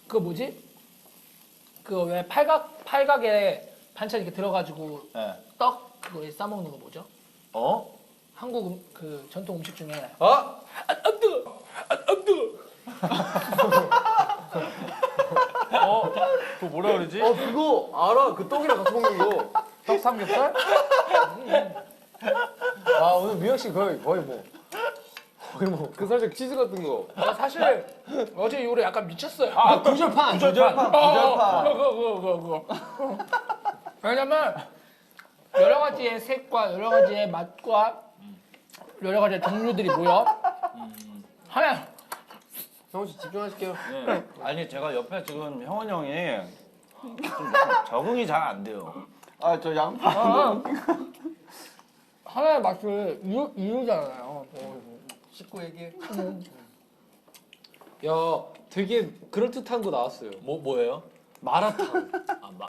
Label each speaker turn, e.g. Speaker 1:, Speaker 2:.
Speaker 1: 그 뭐지? 그 왜 팔각에 반찬 이렇게 들어가지고
Speaker 2: 네.
Speaker 1: 떡 그거에 싸 먹는 거 뭐죠?
Speaker 2: 어?
Speaker 1: 한국 그 전통 음식 중에
Speaker 3: 어?
Speaker 1: 안 뜨거, 안 뜨거.
Speaker 3: 그거 뭐라 그러지?
Speaker 4: 그거 알아. 그 떡이랑 같이 먹는 거.
Speaker 3: 떡 삼겹살?
Speaker 4: 아 오늘 미영 씨 거의 뭐 그 살짝 치즈 같은 거.
Speaker 1: 나 사실 어제 이후로 약간 미쳤어요.
Speaker 4: 아 구절판.
Speaker 1: 그거. 왜냐면 여러 가지의 색과 여러 가지의 맛과 여러 가지의 종류들이 모여 하나.
Speaker 4: 형씨 집중하실게요.
Speaker 2: 네. 아니 제가 옆에 지금 형원 형이 좀 적응이 잘 안 돼요.
Speaker 4: 아 저 양파.
Speaker 1: 하나의 맛을 이루잖아요.
Speaker 4: 씻고 얘기해.
Speaker 3: 야, 되게 그럴듯한 거 나왔어요.
Speaker 2: 뭐예요?
Speaker 3: 마라탕.